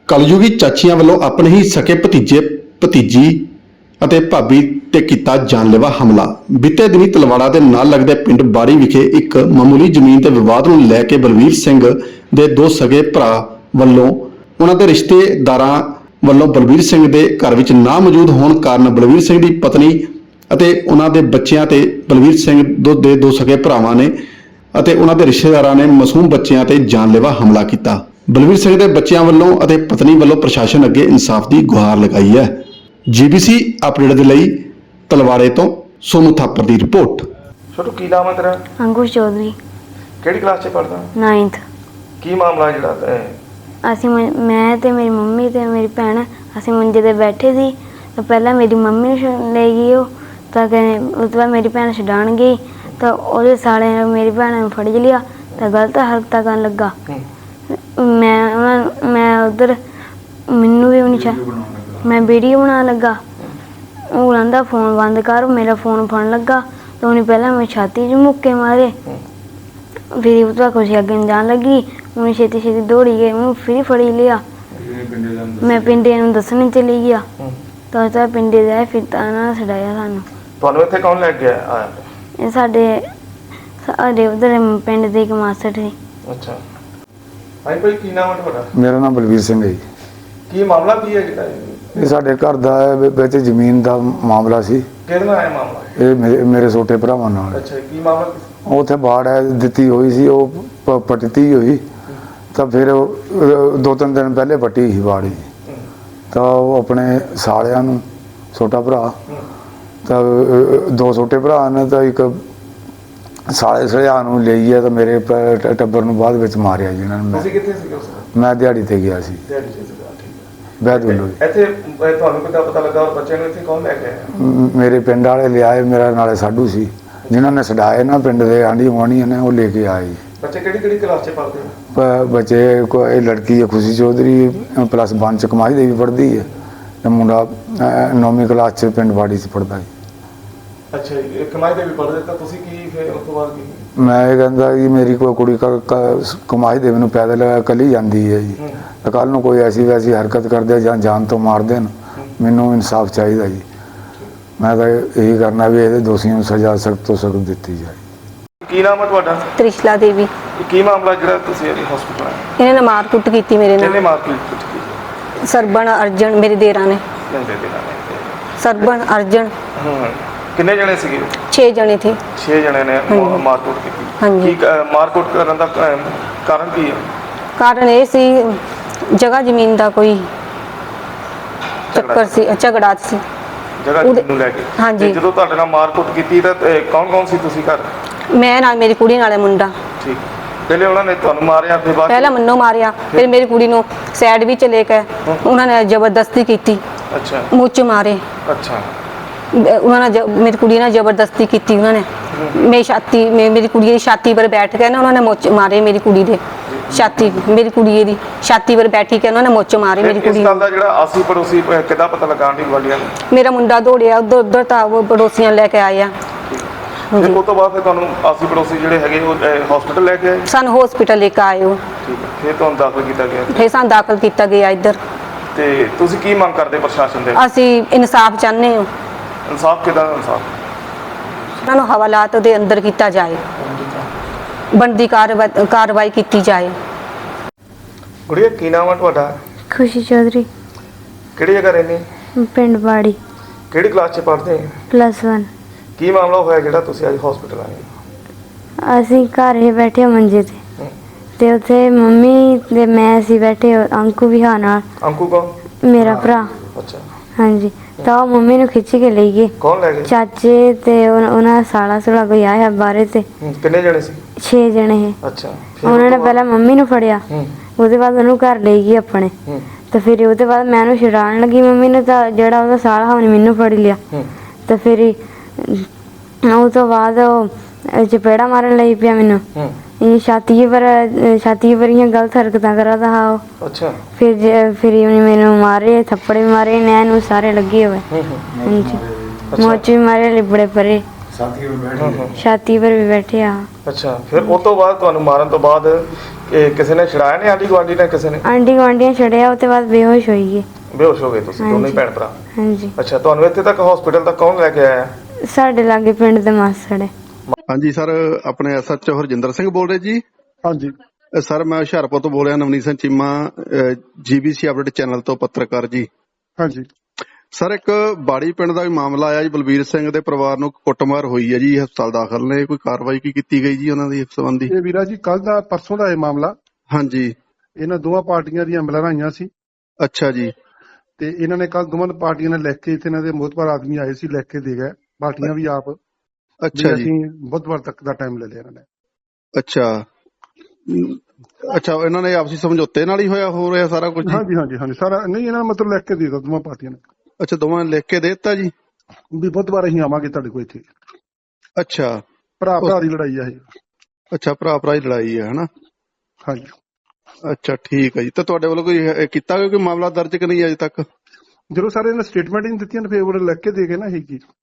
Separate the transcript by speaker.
Speaker 1: कलयुगी चाचियां वालों अपने ही सके भतीजे भतीजी ਅਤੇ ਭਾਬੀ ਤੇ ਕੀਤਾ ਜਾਨਲੇਵਾ ਹਮਲਾ। ਬੀਤੇ ਦਿਨੀ ਤਲਵਾੜਾ ਦੇ ਨਾਲ ਲੱਗਦੇ ਪਿੰਡ ਬਾੜੀ ਵਿਖੇ ਇੱਕ ਮਾਮੂਲੀ ਜ਼ਮੀਨ ਦੇ ਵਿਵਾਦ ਨੂੰ ਲੈ ਕੇ ਬਲਵੀਰ ਸਿੰਘ ਦੇ ਦੋ ਸਗੇ ਭਰਾ ਵੱਲੋਂ ਉਹਨਾਂ ਦੇ ਰਿਸ਼ਤੇਦਾਰਾਂ ਵੱਲੋਂ ਬਲਵੀਰ ਸਿੰਘ ਦੇ ਘਰ ਵਿੱਚ ਨਾ ਮੌਜੂਦ ਹੋਣ ਕਾਰਨ ਬਲਵੀਰ ਸਿੰਘ ਦੀ ਪਤਨੀ ਅਤੇ ਉਹਨਾਂ ਦੇ ਬੱਚਿਆਂ ਤੇ ਬਲਵੀਰ ਸਿੰਘ ਦੇ ਦੋ ਸਗੇ ਭਰਾਵਾਂ ਨੇ ਅਤੇ ਉਹਨਾਂ ਦੇ ਰਿਸ਼ਤੇਦਾਰਾਂ ਨੇ ਮਾਸੂਮ ਬੱਚਿਆਂ ਤੇ ਜਾਨਲੇਵਾ ਹਮਲਾ ਕੀਤਾ। ਬਲਵੀਰ ਸਿੰਘ ਦੇ ਬੱਚਿਆਂ ਵੱਲੋਂ ਅਤੇ ਪਤਨੀ ਵੱਲੋਂ ਪ੍ਰਸ਼ਾਸਨ ਅੱਗੇ ਇਨਸਾਫ ਦੀ ਗੁਹਾਰ ਲਗਾਈ ਹੈ। जीबीसी अपडेट ਦੇ ਲਈ ਤਲਵਾੜੇ ਤੋਂ ਸੋਨੂ ਥਾਪਰ ਦੀ ਰਿਪੋर्ट।
Speaker 2: छोटू की नाम है तेरा?
Speaker 3: अंकुश चौधरी।
Speaker 2: ਕਿਹੜੀ ਕਲਾਸ 'ਚ ਪੜ੍ਹਦਾ?
Speaker 3: 9th।
Speaker 2: ਕੀ ਮਾਮਲਾ ਜਿਹੜਾ
Speaker 3: ਅਸੀਂ ਮੈਂ ਤੇ ਮੇਰੀ ਮੰਮੀ ਤੇ ਮੇਰੀ ਭੈਣ ਅਸੀਂ ਮੰਜੇ ਤੇ ਬੈਠੇ ਸੀ ਤਾਂ ਪਹਿਲਾਂ ਮੇਰੀ ਮੰਮੀ ਨੂੰ ਲੈ ਗਈ ਉਹ ਤਾਂ ਕਹਿੰਦੇ ਉਸ ਤੋਂ ਬਾਅਦ ਮੇਰੀ ਭੈਣ ਛਡਾਣ ਗਈ ਤਾਂ ਉਹਦੇ ਸਾਲੇ ਨੇ ਮੇਰੀ ਭੈਣ ਨੂੰ ਫੜ ਲਿਆ ਤਾਂ ਗਲਤ ਹਰਕਤਾਂ ਕਰਨ ਲੱਗਾ। ਮੈਂ ਉਧਰ ਮੈਨੂੰ ਵੀ ਨਹੀਂ मैं वीडियो बना लगा वो कहता फोन बंद कर मेरा फोन फड़न लगा तो उन्हें पहले मैं छाती च मुक्के मारे फिर उस तक कुछ अगे जान लगी उन्हें छेती छेती दौड़ी गए उन्हें फिर फड़ी लिया मैं पिंडे दसने चली गया तो उस तक पिंडे दे फिर छड़ाया सानू।
Speaker 2: ਤੁਹਾਨੂੰ ਇੱਥੇ ਕੌਣ ਲੈ ਕੇ ਆਇਆ?
Speaker 3: ਸਾਡੇ ਉਧਰ ਪਿੰਡ ਦੇ ਇੱਕ ਮਾਸਟਰ ਸੀ।
Speaker 2: ਅੱਛਾ ਭਾਈ ਭਾਈ ਕੀ ਨਾਮ ਹੈ ਤੁਹਾਡਾ?
Speaker 4: ਮੇਰਾ ਨਾਮ ਬਲਵੀਰ ਸਿੰਘ ਹੈ ਜੀ।
Speaker 2: ਕੀ ਮਾਮਲਾ ਕੀ ਹੈ ਜਿਹੜਾ
Speaker 4: ਇਹ ਸਾਡੇ ਘਰ ਦਾ ਵਿੱਚ ਜ਼ਮੀਨ ਦਾ ਮਾਮਲਾ ਸੀ।
Speaker 2: ਕਿਹਦੇ ਨਾਲ ਆਇਆ ਮਾਮਲਾ?
Speaker 4: ਇਹ ਮੇਰੇ ਛੋਟੇ ਭਰਾਵਾਂ ਨਾਲ।
Speaker 2: ਅੱਛਾ ਕੀ ਮਾਮਲਾ?
Speaker 4: ਉੱਥੇ ਬਾੜ ਹੈ ਦਿੱਤੀ ਹੋਈ ਸੀ ਉਹ ਪੱਟੀ ਹੋਈ ਤਾਂ ਫਿਰ 2-3 ਦਿਨ ਪਹਿਲੇ ਪੱਟੀ ਸੀ ਬਾੜ ਜੀ ਤਾਂ ਉਹ ਆਪਣੇ ਸਾਲਿਆਂ ਨੂੰ ਛੋਟਾ ਭਰਾ ਤਾਂ ਦੋ ਛੋਟੇ ਭਰਾ ਨੇ ਤਾਂ ਇੱਕ ਸਾਲੇ ਸਲਿਆਂ ਨੂੰ ਲਈ ਹੈ ਤਾਂ ਮੇਰੇ ਟੱਬਰ ਨੂੰ ਬਾਅਦ ਵਿੱਚ ਮਾਰਿਆ ਜੀ ਇਹਨਾਂ ਨੇ।
Speaker 2: ਤੁਸੀਂ ਕਿੱਥੇ ਸੀ ਉਸ ਵਕਤ?
Speaker 4: ਮੈਂ ਦਿਹਾੜੀ ਤੇ ਗਿਆ ਸੀ।
Speaker 2: ਦਿਹਾੜੀ ਤੇ ਸੀਗਾ, ਠੀਕ ਹੈ।
Speaker 4: ਬੈਦ ਵੱਲੋਂ
Speaker 2: ਇੱਥੇ ਤੁਹਾਨੂੰ ਕਿੱਦਾਂ ਪਤਾ ਲੱਗਾ ਔਰ ਬੱਚਿਆਂ ਨੂੰ ਇੱਥੇ ਕੌਣ ਲੈ ਕੇ ਆਇਆ?
Speaker 4: ਮੇਰੇ ਪਿੰਡ ਵਾਲੇ ਲਿਆਏ, ਮੇਰਾ ਨਾਲੇ ਸਾਡੂ ਸੀ ਜਿਨ੍ਹਾਂ ਨੇ ਛਡਾਏ ਨਾ ਪਿੰਡ ਦੇ ਆਂਢੀ ਗੁਆਂਢੀਆਂ ਨੇ ਉਹ ਲੈ ਕੇ ਆਏ।
Speaker 2: ਬੱਚੇ ਕਿਹੜੀ ਕਲਾਸ 'ਚ ਪੜ੍ਹਦੇ ਆ?
Speaker 4: ਬੱਚੇ ਇਹ ਲੜਕੀ ਹੈ ਖੁਸ਼ੀ ਚੌਧਰੀ +1 ਚ ਕਮਾਈ ਦੇ ਵੀ ਪੜ੍ਹਦੀ ਹੈ ਤੇ ਮੁੰਡਾ 9ਵੀਂ ਕਲਾਸ 'ਚ ਪਿੰਡ ਬਾੜੀ 'ਚ ਪੜ੍ਹਦਾ ਹੈ।
Speaker 2: ਅੱਛਾ ਜੀ ਕਮਾਈ ਦੇ ਵੀ ਪੜ੍ਹਦੇ ਤਾਂ ਤੁਸੀਂ ਕੀ ਫਿਰ ਉਸ ਤੋਂ ਬਾਅਦ ਕੀ?
Speaker 4: ਮੈਂ ਇਹ ਕਹਿੰਦਾ ਕਿ ਮੇਰੀ ਕੋਈ ਕੁੜੀ ਕਮਾਈ ਦੇ ਮੈਨੂੰ ਪੈਦਲ ਕੱਲੀ ਜਾਂਦੀ ਹੈ ਜੀ ਤਾਂ ਕੱਲ੍ਹ ਨੂੰ ਕੋਈ ਐਸੀ ਵੈਸੀ ਹਰਕਤ ਕਰਦੇ ਜਾਂ ਜਾਨ ਤੋਂ ਮਾਰ ਦੇਣ ਮੈਨੂੰ ਇਨਸਾਫ ਚਾਹੀਦਾ ਜੀ। ਮੈਂ ਤਾਂ ਇਹੀ ਕਰਨਾ ਵੀ ਇਹਦੇ ਦੋਸ਼ੀਆਂ ਨੂੰ ਸਜ਼ਾ ਸਖਤ ਤੋਂ ਸਖਤ ਦਿੱਤੀ ਜਾਏ।
Speaker 2: ਕੀ ਨਾਮ ਹੈ ਤੁਹਾਡਾ?
Speaker 5: ਤ੍ਰਿਸ਼ਲਾ ਦੇਵੀ।
Speaker 2: ਕੀ ਮਾਮਲਾ ਜਿਹੜਾ ਤੁਸੀਂ ਹਸਪੀਟਲ ਆਏ?
Speaker 5: ਇਹਨਾਂ ਨੇ ਮਾਰ ਕੁੱਟ ਕੀਤੀ ਮੇਰੇ
Speaker 2: ਕਿਹਨੇ
Speaker 5: ਨਾਲ।
Speaker 2: ਮਾਰ ਕੀਤੀ?
Speaker 5: ਸਰਬਣ ਅਰਜਨ ਮੇਰੇ ਦੇਰਾਂ ਨੇ। ਸਰਬਣ ਅਰਜਨ।
Speaker 2: ਕਿੰਨੇ ਜਣੇ ਸੀਗੇ?
Speaker 5: 6 ਜਣੇ थे।
Speaker 2: 6 ਜਣੇ ਨੇ ਮਾਰਕੁੱਟ ਕੀਤੀ।
Speaker 5: ਹਾਂਜੀ।
Speaker 2: ਕੀ ਮਾਰਕੁੱਟ ਕਰਨ ਦਾ ਕਾਰਨ ਕੀ ਹੈ?
Speaker 5: ਕਾਰਨ ਇਹ ਸੀ ਜਗ੍ਹਾ ਜ਼ਮੀਨ ਦਾ ਕੋਈ ਚੱਕਰ ਸੀ, ਝਗੜਾ ਸੀ
Speaker 2: ਜਗ੍ਹਾ ਨੂੰ ਲੈ ਕੇ।
Speaker 5: ਹਾਂਜੀ।
Speaker 2: ਜਦੋਂ ਤੁਹਾਡੇ ਨਾਲ ਮਾਰਕੁੱਟ ਕੀਤੀ ਤਾਂ ਕੌਣ ਸੀ ਤੁਸੀਂ ਘਰ?
Speaker 5: ਮੈਂ ਨਾਲ ਮੇਰੀ ਕੁੜੀ ਨਾਲੇ ਮੁੰਡਾ।
Speaker 2: ਠੀਕ ਪਹਿਲੇ ਉਹਨਾਂ ਨੇ ਤੁਹਾਨੂੰ ਮਾਰਿਆ ਫਿਰ ਬਾਅਦ
Speaker 5: ਪਹਿਲਾਂ ਮੈਨੂੰ ਮਾਰਿਆ ਫਿਰ ਮੇਰੀ ਕੁੜੀ ਨੂੰ ਸਾਈਡ ਵਿੱਚ ਲੈ ਕੇ ਉਹਨਾਂ ਨੇ ਜ਼ਬਰਦਸਤੀ ਕੀਤੀ।
Speaker 2: ਅੱਛਾ
Speaker 5: ਮੂੰਹ 'ਚ ਮਾਰੇ।
Speaker 2: ਅੱਛਾ
Speaker 5: ਉਹਨਾਂ ਨੇ ਮੇਰੀ ਕੁੜੀ ਨਾਲ ਜ਼ਬਰਦਸਤੀ ਕੀਤੀ ਉਹਨਾਂ ਨੇ। ਮੇਰੀ ਕੁੜੀ ਦੀ ਛਾਤੀ ਪਰ ਬੈਠ ਕੇ ਨਾ ਉਹਨਾਂ ਨੇ ਮੁੱਚ ਮਾਰੇ ਮੇਰੀ ਕੁੜੀ ਦੇ ਛਾਤੀ ਮੇਰੀ ਕੁੜੀ ਦੀ ਛਾਤੀ ਪਰ ਬੈਠੀ ਕੇ ਉਹਨਾਂ ਨੇ ਮੁੱਚ ਮਾਰੇ ਮੇਰੀ ਕੁੜੀ
Speaker 2: ਇਸ ਗੱਲ ਦਾ ਜਿਹੜਾ ਆਸੀ ਪੜੋਸੀ ਕਿੱਦਾਂ ਪਤਾ ਲਗਾਉਣ ਦੀ ਵਾਲੀਆਂ ਨੂੰ?
Speaker 5: ਮੇਰਾ ਮੁੰਡਾ ਦੌੜਿਆ ਉਧਰ ਤਾਂ ਉਹ ਪੜੋਸੀਆਂ ਲੈ ਕੇ ਆਏ ਆ।
Speaker 2: ਫਿਰ ਉਸ ਤੋਂ ਬਾਅਦ ਫਿਰ ਤੁਹਾਨੂੰ ਆਸੀ ਪੜੋਸੀ ਜਿਹੜੇ ਹੈਗੇ ਉਹ ਹਸਪੀਟਲ ਲੈ ਕੇ ਆਏ?
Speaker 5: ਸਾਨੂੰ ਹਸਪੀਟਲ ਲੈ ਕੇ ਆਏ ਉਹ।
Speaker 2: ਠੀਕ ਹੈ ਫਿਰ ਤੁਹਾਨੂੰ ਦਾਖਲ ਕੀਤਾ ਗਿਆ?
Speaker 5: ਫਿਰ ਸਾਨੂੰ ਦਾਖਲ ਕੀਤਾ ਗਿਆ ਇੱਧਰ।
Speaker 2: ਤੇ ਤੁਸੀਂ ਕੀ ਮੰਗ ਕਰਦੇ ਪ੍ਰਸ਼ਾਸਨ ਦੇ?
Speaker 5: ਅਸੀਂ ਇਨਸਾਫ ਚਾਹੁੰਦੇ ਹਾਂ।
Speaker 2: ਇਨਸਾਫ ਕਿਹਦਾ ਇਨਸਾਫ?
Speaker 5: ਉਹਨਾਂ ਨੂੰ ਹਵਾਲਾਤ ਦੇ ਅੰਦਰ ਕੀਤਾ ਜਾਏ, ਬਣਦੀ ਕਾਰਵਾਈ ਕੀਤੀ ਜਾਏ।
Speaker 2: ਗੁੜੀਆ ਕੀ ਨਾਮ ਹੈ ਤੁਹਾਡਾ?
Speaker 3: खुशी चौधरी।
Speaker 2: ਕਿਹੜੀ ਜਗ੍ਹਾ ਰਹਿੰਦੇ?
Speaker 3: पिंड बाड़ी
Speaker 2: ਕਿਹੜੀ ਕਲਾਸ 'ਚ ਪੜ੍ਹਦੇ?
Speaker 3: +1।
Speaker 2: ਕੀ ਮਾਮਲਾ ਹੋਇਆ ਜਿਹੜਾ ਤੁਸੀਂ ਅੱਜ ਹਸਪੀਟਲ ਆਏ?
Speaker 3: ਅਸੀਂ ਘਰ ਹੀ ਬੈਠੇ ਮੰਜੇ ਤੇ ਉੱਥੇ ਮੰਮੀ ਤੇ ਮੈਂ ਅਸੀਂ ਬੈਠੇ ਅੰਕੂ ਵੀ ਹਾਂ ਨਾਲ।
Speaker 2: ਅੰਕੂ ਕੌਣ?
Speaker 3: ਮੇਰਾ ਭਰਾ।
Speaker 2: ਅੱਛਾ
Speaker 3: ਹਾਂਜੀ ਤਾਂ ਉਹ ਮੰਮੀ ਨੂੰ ਖਿੱਚ ਕੇ ਲੈ ਗਏ
Speaker 2: ਕੌਣ ਲੈ ਗਏ?
Speaker 3: ਚਾਚੇ ਤੇ ਉਹਨਾਂ ਸਾਲਾ ਸੁਲਾ ਕੋਈ ਆਇਆ ਬਾਰੇ ਤੇ।
Speaker 2: ਕਿੰਨੇ ਜਣੇ ਸੀ?
Speaker 3: 6 ਜਣੇ ਹੈ।
Speaker 2: ਅੱਛਾ
Speaker 3: ਉਹਨਾਂ ਨੇ ਪਹਿਲਾਂ ਮੰਮੀ ਨੂੰ ਫੜਿਆ ਉਹਦੇ ਬਾਅਦ ਉਹਨੂੰ ਘਰ ਲੈ ਗਈ ਆਪਣੇ ਤੇ ਫਿਰ ਉਹਦੇ ਬਾਅਦ ਮੈਂ ਉਹਨੂੰ ਛਡਾਉਣ ਲੱਗੀ ਮੰਮੀ ਨੇ ਤਾਂ ਜਿਹੜਾ ਉਹਦਾ ਸਾਲਾ ਉਹਨੇ ਮੈਨੂੰ ਫੜ ਲਿਆ ਤੇ ਫਿਰ ਉਹ ਤੋਂ ਬਾਅਦ ਉਹ ਚਪੇੜਾ ਮਾਰਨ ਲਈ ਪਿਆ ਮੈਨੂੰ। ਇਹ ਛਾਤੀ ਪਰ ਗਲਤ ਹਰਕਤਾਂ ਕਰਦਾ ਹਾਂ ਉਹ।
Speaker 2: ਅੱਛਾ
Speaker 3: ਫਿਰ ਉਹਨੇ ਮੈਨੂੰ ਮਾਰੇ ਥੱਪੜੇ ਮਾਰੇ ਨੈਣ ਨੂੰ ਸਾਰੇ ਲੱਗੇ ਹੋਏ। ਹਾਂਜੀ ਮੋਚ ਵੀ ਮਾਰੇ ਲਿਬੜੇ ਪਰੇ ਛਾਤੀ ਪਰ ਵੀ ਬੈਠੇ ਆ।
Speaker 2: ਅੱਛਾ ਫਿਰ ਉਸ ਤੋਂ ਬਾਅਦ ਤੁਹਾਨੂੰ ਮਾਰਨ ਤੋਂ ਬਾਅਦ ਇਹ ਕਿਸੇ ਨੇ ਛੜਾਇਆ ਨੇ, ਆਂਢੀ ਗੁਆਂਢੀ ਨੇ, ਕਿਸੇ ਨੇ?
Speaker 3: ਆਂਢੀ ਗੁਆਂਢੀਆਂ ਛੜਿਆ, ਉਹ ਤੋਂ ਬਾਅਦ ਬੇਹੋਸ਼ ਹੋਈ ਗਏ।
Speaker 2: ਬੇਹੋਸ਼ ਹੋ ਗਏ ਤੁਸੀਂ ਦੋਨੇ ਹੀ
Speaker 3: ਹਾਂਜੀ।
Speaker 2: ਭੈਣ ਭਰਾ?
Speaker 3: ਹਾਂਜੀ,
Speaker 2: ਅੱਛਾ, ਤੁਹਾਨੂੰ ਇੱਥੇ ਤੱਕ ਹਸਪੀਟਲ ਤੱਕ ਕੌਣ ਲੈ ਕੇ ਆਇਆ?
Speaker 3: ਸਾਡੇ ਲਾਗੇ ਪਿੰਡ ਦੇ ਮਾਸੜ ਹੈ।
Speaker 1: ਹਾਂਜੀ ਸਰ, ਆਪਣੇ ਐਸਐਚਓ ਹਰਜਿੰਦਰ ਸਿੰਘ ਬੋਲ ਰਹੇ ਜੀ?
Speaker 6: ਹਾਂਜੀ
Speaker 1: ਸਰ ਮੈਂ ਹੁਸ਼ਿਆਰਪੁਰ ਤੋਂ ਬੋਲ ਰਿਹਾ, Navneet Singh Cheema, GBC update channel ਤੋਂ ਪੱਤਰਕਾਰ ਜੀ।
Speaker 6: ਹਾਂਜੀ
Speaker 1: ਸਰ ਇੱਕ ਬਾੜੀ ਪਿੰਡ ਦਾ ਵੀ ਮਾਮਲਾ ਆਇਆ ਜੀ, ਬਲਬੀਰ ਸਿੰਘ ਦੇ ਪਰਿਵਾਰ ਨੂੰ ਕੁੱਟਮਾਰ ਹੋਈ ਹੈ ਜੀ, ਹਸਪਤਾਲ ਦਾਖਲ ਨੇ, ਕੋਈ ਕਾਰਵਾਈ ਕੀ ਕੀਤੀ ਗਈ ਜੀ ਉਹਨਾਂ ਦੀ ਇਸ ਸੰਬੰਧੀ?
Speaker 6: ਇਹ ਵੀਰਾ ਜੀ ਕੱਲ ਦਾ ਪਰਸੋਂ ਦਾ ਇਹ ਮਾਮਲਾ,
Speaker 1: ਹਾਂਜੀ।
Speaker 6: ਇਹਨਾਂ ਦੋਵਾਂ ਪਾਰਟੀਆਂ ਦੀਆਂ ਐਂਬੂਲੈਂਸਾਂ ਆਈਆਂ ਸੀ
Speaker 1: ਅੱਛਾ ਜੀ।
Speaker 6: ਤੇ ਇਹਨਾਂ ਨੇ ਕੱਲ ਦੋਵਾਂ ਪਾਰਟੀਆਂ ਨੇ ਲਿਖ ਕੇ, ਇੱਥੇ ਇਹਨਾਂ ਦੇ ਮੋਹਤਬਾਰ ਆਦਮੀ ਆਏ ਸੀ, ਲਿਖ ਕੇ ਦੇ ਗਏ ਪਾਰਟੀਆਂ ਵੀ ਆਪ।
Speaker 1: ਅੱਛਾ ਜੀ।
Speaker 6: ਅਸੀਂ ਬੁੱਧਵਾਰ ਤੱਕ ਦਾ ਟਾਈਮ ਲੈ ਲਿਆ ਇਹਨਾਂ ਨੇ।
Speaker 1: ਅੱਛਾ ਅੱਛਾ, ਇਹਨਾਂ ਨੇ ਆਪਸੀ ਸਮਝੌਤੇ ਨਾਲ ਹੀ ਹੋਇਆ ਹੋ ਰਿਹਾ ਸਾਰਾ ਕੁਝ?
Speaker 6: ਹਾਂਜੀ ਹਾਂਜੀ ਹਾਂਜੀ ਸਾਰਾ ਨਹੀਂ, ਇਹਨਾਂ ਨੇ ਮਤਲਬ ਲਿਖ ਕੇ ਦੇ ਦਿੱਤਾ ਦੋਵਾਂ ਪਾਰਟੀਆਂ ਨੇ।
Speaker 1: ਅੱਛਾ, ਦੋਵਾਂ ਨੇ ਲਿਖ ਕੇ ਦੇ ਦਿੱਤਾ ਜੀ?
Speaker 6: ਵੀ ਬੁੱਧਵਾਰ ਅਸੀਂ ਆਵਾਂਗੇ ਤੁਹਾਡੇ ਕੋਲ ਇੱਥੇ।
Speaker 1: ਅੱਛਾ,
Speaker 6: ਭਰਾ ਭਰਾ ਦੀ ਲੜਾਈ ਆ ਇਹ।
Speaker 1: ਅੱਛਾ ਭਰਾ ਭਰਾ ਦੀ ਲੜਾਈ ਹੈ ਹਨਾ?
Speaker 6: ਹਾਂਜੀ
Speaker 1: ਅੱਛਾ ਠੀਕ ਹੈ ਜੀ। ਤੇ ਤੁਹਾਡੇ ਵੱਲੋਂ ਕੋਈ ਕੀਤਾ ਗਿਆ ਕੋਈ ਮਾਮਲਾ ਦਰਜ ਕਿ ਨਹੀਂ ਅਜੇ ਤੱਕ?
Speaker 6: ਜਦੋਂ ਸਾਰੇ ਇਹਨਾਂ ਸਟੇਟਮੈਂਟ ਹੀ ਨਹੀਂ ਦਿੱਤੀਆਂ, ਫਿਰ ਉਹ ਲਿਖ ਕੇ ਦੇ ਗਏ ਨਾ ਇਹ ਕੀ।